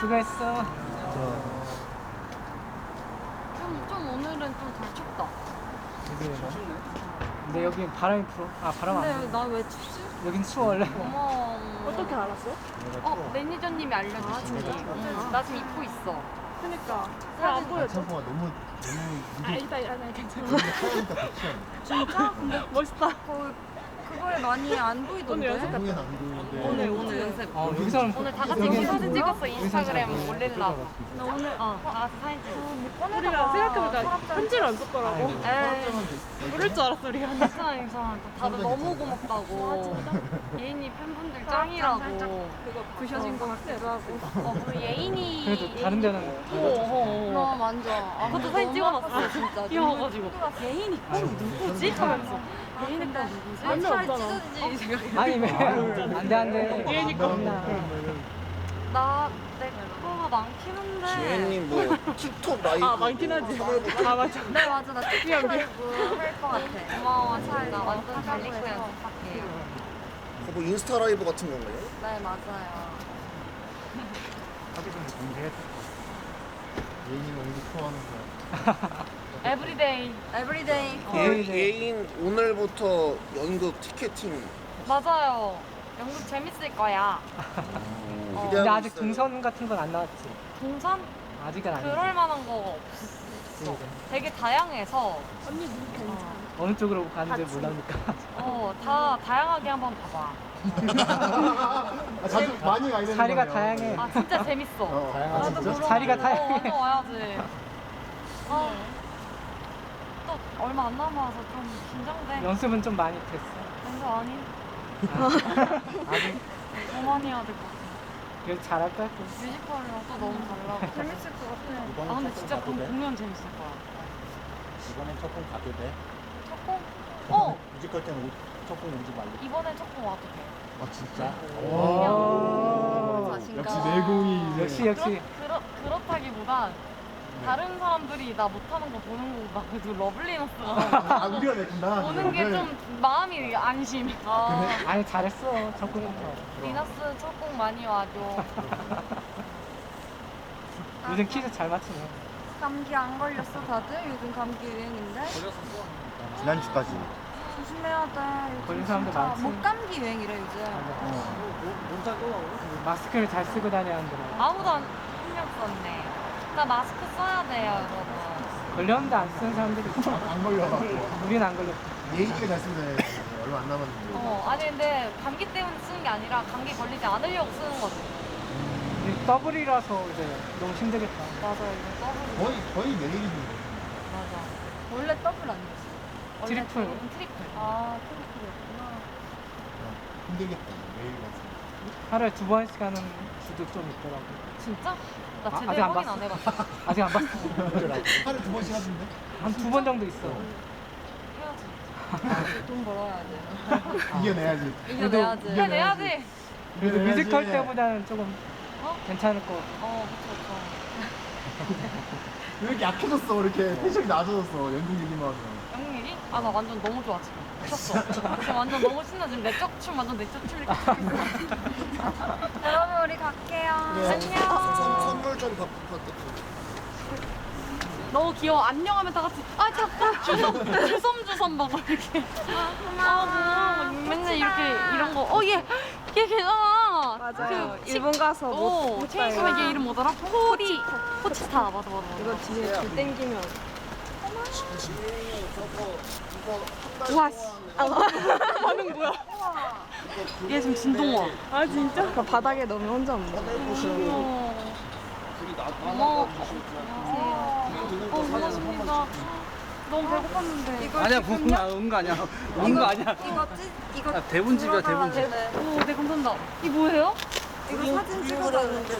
수고했어. 좀 오늘은 좀 덜 춥다. 근데 여기 바람이 불어. 아 바람 안 근데 불어. 나 왜 춥지? 여긴 추워 원래. 어머. 어떻게 알았어? 매니저님이 알려주신 거. 나 지금 입고 있어. 그니까 왜안 보여줘? 창고가 너무 이따 괜찮아. 하니까 더 취하네. 진짜? 근데 멋있다. 그거에 많이 안 보이던데. 오늘 연습 한국엔 안 보이는데 오늘 연습. 여기서는 오늘 다 같이 여기는 사진 찍었어. 인스타그램 여기서는 올리려고. 나 오늘 다 같이 사진 찍었어. 우리가 생각해보니까 편지를 안 썼더라고. 에이. 모를 줄 알았어 우리가. 괜찮아 괜찮아. 다들 너무 고맙다고. 예인이 팬분들 짱이라고. 부셔진 것 같기도 하고. 그리고 예인이. 그래도 다른 데는 너무 만져. 그것도 사진 찍어놨어 진짜. 귀여워가지고. 예인이 거 누구지? 하면서. 예인이 거 누구지? 몇명 없잖아. 찢어지지 생각해. 아니 왜 안돼. 예인이 겁나. 내 거가 많긴 한데. 지혜님 뭐 틱톡 라이브 아 많긴 하지. 아 맞아. 네 맞아 나 틱톡 라이브 할 것 같아. 고마워 차이 나 완전 잘 입고 연습할게요. 뭐 인스타 라이브 같은 건가요? 네 맞아요. 예인이 연기 좋아하는 거. 에브리데이. 에브리데이. 예인 오늘부터 연극 티켓팅 맞아요. 연극 재밌을 거야. 근데 기대하고 아직 있어요. 동선 같은 건 안 나왔지. 동선? 아직은 아니지. 그럴 만한 거 없어. 되게 다양해서 언니 눈 괜찮아. 어느 쪽으로 가는지 몰라니까. 다 다양하게 한번 봐봐. 아, 자주 많이 가야 되는 자리가 거네요. 다양해. 아 진짜 재밌어. 아, 진짜? 자리가 다양해. 완전 와야지. 또 얼마 안 남아서 좀 긴장돼. 연습은 좀 많이 됐어. 연습 아니? 아직 더 많이 해야 될 것 같아. 그래도 잘할 거야. 뮤지컬이랑 또 너무 잘 나고. 재밌을 것 같아. 아 근데 진짜 공연 재밌을 거야. 이번엔 첫공 가도 돼? 첫 공? 뮤지컬 때는 첫공 오지 말고. 이번엔 첫 공 와도 돼. 아 진짜? 오. 자신감. 역시 내공이 역시. 그렇다기보단 다른 사람들이 나 못하는 거 보는 거보다 그래도 러블리너스가 아 우리가 냈구나. 보는 게 좀 마음이 안심. 아, 아니 잘했어. 적응부터. 리너스 첫 공 많이 와줘. 요즘 퀴즈 잘 맞추네. 감기 안 걸렸어 다들? 요즘 감기 유행인데? 지난주까지. 조심해야 돼. 요즘 걸린 사람들 진짜 많지. 목감기 유행이래 요즘. 마스크를 잘 쓰고 다녀야 한다. 아무도 안 신경 썼네. 나 마스크 써야 돼요 여러분. 걸렸는데 안 쓰는 사람들이 있어. 안 걸려갖고. 우리는 안 걸렸어. 예인이가 잘 쓰면 돼. 얼마 안 남았는데. 아니 근데 감기 때문에 쓰는 게 아니라 감기 걸리지 않으려고 쓰는 거지. 이 더블이라서 이제 너무 힘들겠다. 맞아요 이거 더블. 거의 매일이지. 맞아. 원래 더블 아니었어. 원래 트리플. 대부분 트리플. 아 트리플이었구나. 힘들겠다. 매일 가서. 하루에 2번씩 하는 주도 좀 있더라고. 진짜? 나 아, 제대로 아직 안 확인 봤어. 안 해봤어. 아직 안 봤어. 하루에 2번씩 하던데? 한 2번 정도 있어. 해야지. 돈 벌어야 돼. 이겨내야지. 이겨내야지. 이겨내야지. 그래도 이겨내야지. 뮤지컬 때보다는 조금 어? 괜찮을 것 같아. 그쵸. 왜 이렇게 약해졌어? 이렇게 텐션이 낮아졌어. 연극 얘기만 하면. 영웅 얘기? 아, 나 완전 너무 좋아, 지금. 미쳤어. 지금 완전 너무 신나. 지금 내적 춤, 완전 내적 춤 이렇게 추고 있어. 여러분, 우리 갈게요. 안녕. 선물 좀 받고. 너무 귀여워. 안녕하면 다 같이. 아, 자꾸 주섬주섬 막 이렇게. 고마워. 맨날 이렇게 이런 거. 얘 걔잖아. 맞아요. 그 일본 가서 못 체인소맨 얘 이름 뭐더라? 포치타. 맞아. 이거 뒤에 줄 땡기면. 와, 씨. 반응 뭐야? 얘 지금 진동화. 아 진짜? 그 바닥에 넣으면 혼자 없네. 고마워. 고맙습니다. 너무 배고팠는데. 아니야 온거 아니야. 온 거 아니야. 이거 아, 대본집이야 대본집. 오, 네 감사합니다. 이 뭐예요? 이거 사진 찍어달라는데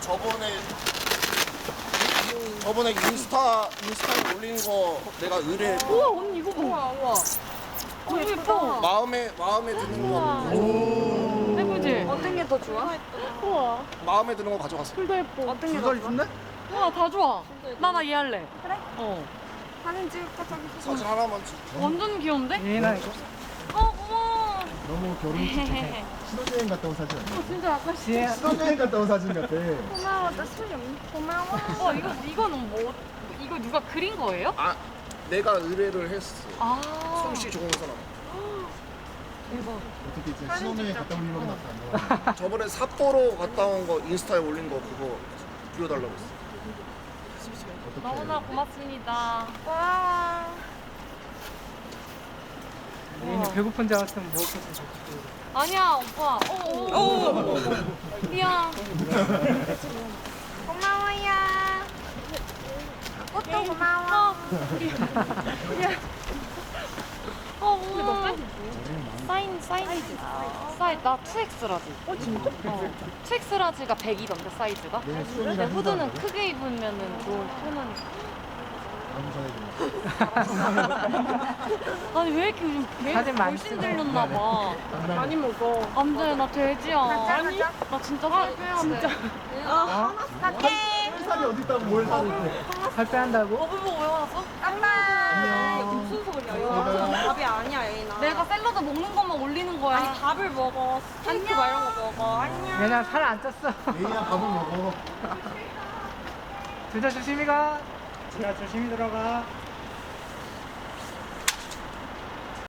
저번에 인스타에 올린 거 내가 의뢰했고 우와 언니 이거 봐. 우와. 너무 예뻐. 마음에 드는 거 예쁘지? 어떤 게 더 좋아? 우와. 마음에 드는 거 가져갔어. 둘 다 예뻐. 어떤 게 더 두달 좋아? 준대? 우와 다 좋아. 나 얘 할래. 그래? 어. 사진 찍을까 저기? 사진 하나만 찍. 완전 귀여운데? 얘는 이거 고마워. 너무 결혼 신혼여행 갔다 온 사진 아니야? 진짜 약간 지혜 신혼여행 갔다 온 사진 같아. 고마워. 나 술이 없네. 고마워. 이거는 뭐 이거 누가 그린 거예요? 아 내가 의뢰를 했어. 아 솜씨 좋은 사람. 대박. 어떻게 이제 신혼여행 갔다 온 일만 나타나. 저번에 삿포로 갔다 온 거 인스타에 올린 거 그거 비워달라고 했어. 너무나 고맙습니다. 고마워. 얘는 배고픈 줄 알았으면 먹었겠지. 아니야 오빠. 오. 미안. 고마워요. 꽃도 고마워. 사인 나 2X라지. 진짜? 2X라지가 100이던데 사이즈가. 내일 수영이랑 근데 후드는 행사하는데? 크게 입으면은 좀 편하니까. 남자애들. 아니 왜 이렇게 요즘 사진 많이 훨씬 찍어. 들렸나 봐. 많이 먹어. 안돼 나 돼지야. 아니 나 진짜 살 빼야 돼. 진짜. 갈게. 살이 어디 있다고 뭘 살을 또. 살 빼한다고? 버블복 왜 화났어? 아빠. 안녕. 무슨 소리야? 내가 이거 밥이 아니야, 예인아. 내가 샐러드 먹는 것만 올리는 거야. 아니 밥을 먹어. 스테이크 막 이런 거 먹어. 안녕. 얘는 살 안 쪘어. 메이야 밥을 먹어. 둘 다 조심히 가. 지혜야 조심히 들어가.